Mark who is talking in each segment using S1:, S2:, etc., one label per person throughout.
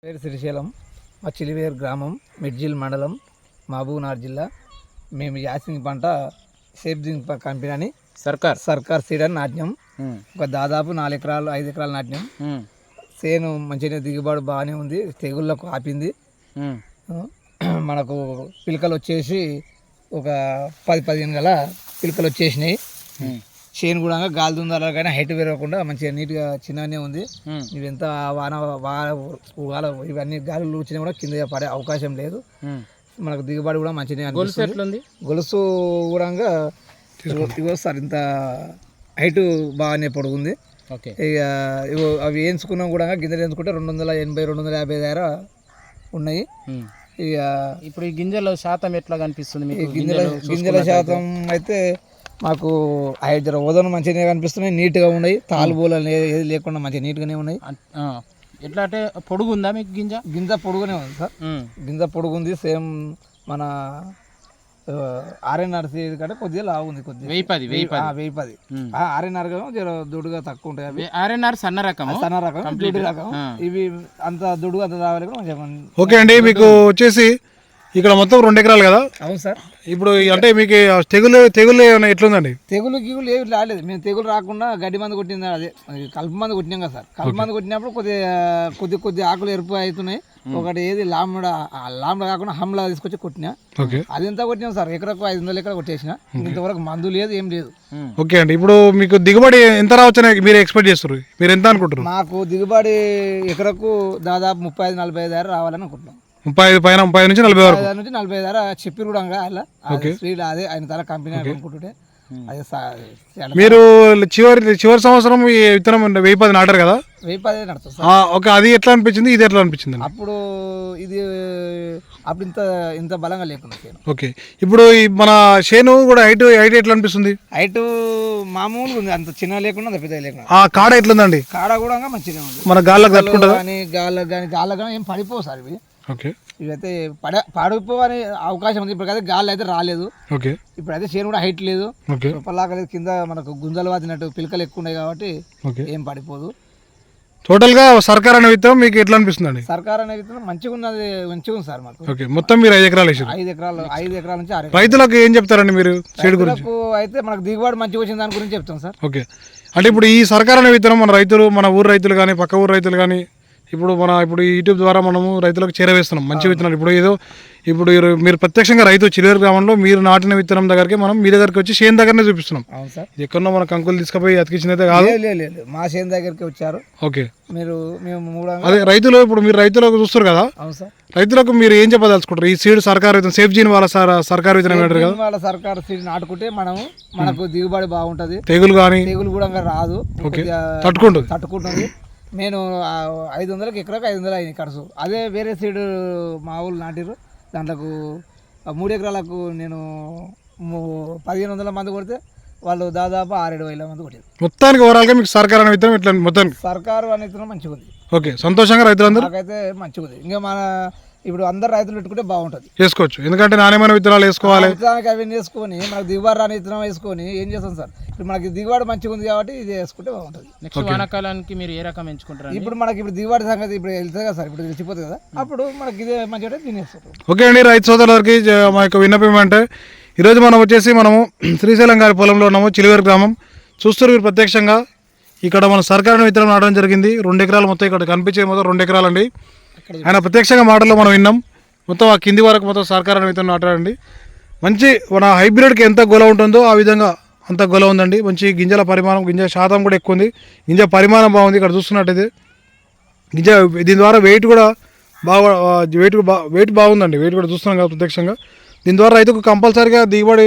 S1: పేరు శ్రీశైలం, మా చిలివేరు గ్రామం, మిడ్జిల్ మండలం, మహబూబ్నగర్ జిల్లా. మేము యాసింగ్ పంట సేఫ్జింగ్ కంపెనీ అని సర్కార్ సీడ్ అని నాట్యం. ఒక దాదాపు 4 ఎకరాలు 5 ఎకరాలు నాట్యం. సేను మంచిగా దిగుబడి బాగానే ఉంది, తెగుళ్ళకు ఆపింది. మనకు పిలకలు వచ్చేసి ఒక 10-15 గల పిలకలు వచ్చేసినాయి. చేను కూడా గాలి దుందాల కానీ హైట్ పెరగకుండా మంచిగా నీట్గా చిన్నగానే ఉంది. ఇవి ఎంత వాన ఇవన్నీ గాలులు వచ్చినా కూడా కింద పడే అవకాశం లేదు. మనకు దిగుబడి కూడా మంచిగా అనిపిస్తుంది. గొలుసు కూడా ఇగో సార్ ఇంత హైట్ బాగానే పొడుగుంది. ఇక అవి వేయించుకున్నాం కూడా గింజలు వేయించుకుంటే 280-250 దగ్గర ఉన్నాయి. ఇక
S2: ఇప్పుడు ఈ గింజల శాతం ఎట్లా కనిపిస్తుంది?
S1: గింజల శాతం అయితే మాకు 5 ఓదన మంచిగా కనిపిస్తున్నాయి, నీట్గా ఉన్నాయి. తాలుబోలు ఏది లేకుండా మంచిగా నీట్గానే ఉన్నాయి.
S2: ఎట్లా అంటే పొడుగు ఉందా మీకు?
S1: గింజ పొడుగునే ఉంది సార్. గింజ పొడుగుంది. సేమ్ మన ఆర్ఎన్ఆర్ కంటే కొద్దిగా లావు ఉంది. కొద్దిగా 1010 ఆర్ఎన్ఆర్ దుడుగా తక్కువ ఉంటాయి.
S2: ఆర్ఎన్ఆర్ సన్న రకం
S1: దుడ్డు రకం. ఇవి అంత దుడుగు అంత రావాలి.
S3: ఓకే అండి, మీకు వచ్చేసి ఇక్కడ మొత్తం 2 ఎకరాలు కదా?
S1: అవును సార్.
S3: ఇప్పుడు అంటే మీకు తెగులు ఏమైనా ఎట్లుందండి?
S1: తెగులు ఏమి రాలేదు. మేము తెగులు రాకుండా గడ్డి మందు కొట్టింది, అదే కలుపు మందు కొట్టినాం కదా సార్. కలుపు మందు కొట్టినప్పుడు కొద్ది ఆకులు ఎరుపు అవుతున్నాయి. ఒకటి ఏది లాంబడా కాకుండా హమ్లా తీసుకొచ్చి కొట్టినా. అది ఎంత కొట్టినాం సార్, ఎకరకు 500 ఎకరా కొట్టేసిన. ఇంతవరకు మందు లేదు, ఏం లేదు.
S3: ఓకే అండి, ఇప్పుడు మీకు దిగుబడి ఎంత రావచ్చని మీరు ఎక్స్పెక్ట్ చేస్తారు? మీరు ఎంత అనుకుంటారు?
S1: మాకు దిగుబడి ఎకరకు దాదాపు 35-40 దగ్గర రావాలని అనుకుంటున్నాం.
S3: 30 నుంచి 40 వరకు.
S1: 40 దగ్గర చెప్పి కూడా అదే ఆయన తర కంపెనీ అనుకుంటుంటే అదే.
S3: మీరు చివరి సంవత్సరం ఈ విత్తనం 1010 నాటారు కదా?
S1: 1010 నడుతుంది.
S3: ఓకే, అది ఎట్లా అనిపించింది, ఇది ఎట్లా అనిపించింది?
S1: అప్పుడు ఇంత బలంగా లేకుండా.
S3: ఓకే, ఇప్పుడు మన చేను కూడా హైట్ ఎట్లా అనిపిస్తుంది?
S1: హైట్ మామూలుగా ఉంది, అంత చిన్న లేకుండా అంత పెద్ద లేకుండా.
S3: కాడ ఎట్లుందండి?
S1: కాడ కూడా మంచిగా ఉంది.
S3: మన గాళ్ళకి తట్టుకుంటుందా?
S1: గాళ్ళకి ఏం పడిపోవు సార్ ఇవి.
S3: ఓకే,
S1: ఇవైతే పడిపోవని అవకాశం ఉంది. ఇప్పుడు అయితే గాలి అయితే రాలేదు.
S3: ఓకే,
S1: ఇప్పుడు అయితే చేను కూడా హైట్ లేదు, రూపలాగా లేదు. కింద మనకు గుంజలు వాతినట్టు పిలకలు ఎక్కువ ఉన్నాయి కాబట్టి ఏం పడిపోదు.
S3: టోటల్ గా సర్కార్ అనే విత్తనం మీకు ఎట్లా అనిపిస్తుంది?
S1: సర్కార్ అనే విత్తనం మంచిగా ఉంది సార్ మాకు.
S3: ఓకే, మొత్తం మీరు 5 ఎకరాలు వేసారు.
S1: 5 ఎకరాల నుంచి 6
S3: రైతులకు ఏం చెప్తారండి మీరు సీడ్ గురించి?
S1: అయితే మనకు దిగుబడి మంచిగా వచ్చిన దాని గురించి చెప్తాం సార్.
S3: ఓకే, అంటే ఇప్పుడు ఈ సర్కార్ అనే విత్తనం మన ఊరు రైతులు కానీ పక్క ఊరు రైతులు కానీ ఇప్పుడు యూట్యూబ్ ద్వారా మనము రైతులకు చేరవేస్తున్నాం మంచి విత్తనాలు. ఇప్పుడు మీరు ప్రత్యక్షంగా రైతు చిలివేరు గ్రామంలో మీరు నాటిన విత్తనం దగ్గరికి మనం మీ దగ్గరికి వచ్చి చేను దగ్గరనే చూపిస్తున్నాం. ఎక్కడో మన కంకులు తీసుకుపోయి అతికించినైతే కాదు,
S1: మా చేను దగ్గరికి వచ్చారు.
S3: ఓకే,
S1: మేము
S3: అదే రైతులు ఇప్పుడు మీరు రైతులకు చూస్తారు కదా, రైతులకు మీరు ఏం చెప్పదలుచుకుంటారు? ఈ సీడ్ సర్కార్ విత్తనం సేఫ్ జీన్ వాళ్ళ సర్కార్ విత్తనం అంటారు కదా,
S1: వాళ్ళ సర్కార్ సీడ్ నాటుకుంటే మనకు దిగుబడి బాగుంటది.
S3: తెగులు
S1: కూడా రాదు, తట్టుకుంటుంది. నేను 500 ఎకరాకు 500 అయింది ఖర్చు. అదే వేరే సీడ్ మా ఊళ్ళు నాటిరు, దాంట్లోకి 3 ఎకరాలకు నేను 1500 మంది కొడితే వాళ్ళు దాదాపు 6-7 మంది కొట్టారు.
S3: మొత్తానికి ఓవరాల్గా మీకు సర్కార్ అనే విత్తనం ఇట్లా మొత్తానికి
S1: సర్కారు అనే విత్తనం మంచిగా ఉంది.
S3: ఓకే, సంతోషంగా రైతులందరూ
S1: నాకైతే మంచిగా ఉంది. ఇంకా ఇప్పుడు అందరు రైతులు పెట్టుకుంటే బాగుంటుంది,
S3: వేసుకోవచ్చు. ఎందుకంటే నాణ్యమైన విత్తనాలు వేసుకోవాలి.
S1: విత్తనానికి అవి వేసుకొని మనకు దిగుబడి రాని విత్తనం వేసుకొని ఏం చేస్తాం సార్? ఇప్పుడు మనకి దిగుబడి మంచిగా ఉంది కాబట్టి ఇది వేసుకుంటే బాగుంటుంది.
S2: నెక్స్ట్ వానాకాలానికి మీరు ఏ రకం ఎంచుకుంటారు?
S1: ఇప్పుడు దిగుబడి సంగతి ఇప్పుడు వెళ్తుంది కదా సార్, ఇప్పుడు తెలిసిపోతుంది కదా, అప్పుడు మనకి ఇదే మంచిగా తినేస్తాం.
S3: ఓకే అండి, రైతు సోదరులకి మా యొక్క విన్నపం అంటే ఈరోజు మనము శ్రీశైలం గారి పొలంలో ఉన్నాము, చిలివేరు గ్రామం. చూస్తారు మీరు ప్రత్యక్షంగా ఇక్కడ మన సర్కారు విత్తనం నాటడం జరిగింది. 2 ఎకరాలు మొత్తం ఇక్కడ కనిపించే మొత్తం 2 ఎకరాలండి. ఆయన ప్రత్యక్షంగా మాటల్లో మనం విన్నాం. మొత్తం ఆ కింది వరకు మొత్తం సర్కారు విత్తనం నాటాడండి. మంచి మన హైబ్రిడ్కి ఎంత గొల ఉంటుందో ఆ విధంగా అంత గొల ఉందండి. మంచి గింజల పరిమాణం, గింజ శాతం కూడా ఎక్కువ ఉంది, గింజ పరిమాణం బాగుంది. ఇక్కడ చూస్తున్నట్టయితే దీని ద్వారా వెయిట్ కూడా వెయిట్ బాగుందండి. వెయిట్ కూడా చూస్తున్నాం కదా ప్రత్యక్షంగా. దీని ద్వారా రైతుకు కంపల్సరీగా దిగుబడి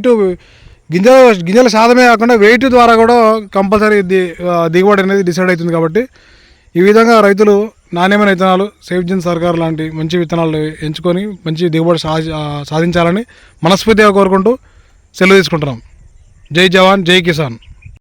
S3: గింజల శాతమే కాకుండా వెయిట్ ద్వారా కూడా కంపల్సరీ దిగుబడి అనేది డిసైడ్ అవుతుంది. కాబట్టి ఈ విధంగా రైతులు నాణ్యమైన విత్తనాలు సేఫ్ జీన్ సర్కార్ లాంటి మంచి విత్తనాలు ఎంచుకొని మంచి దిగుబడి సాధించాలని మనస్ఫూర్తిగా కోరుకుంటూ సెలవు తీసుకుంటున్నాం. జై జవాన్, జై కిసాన్.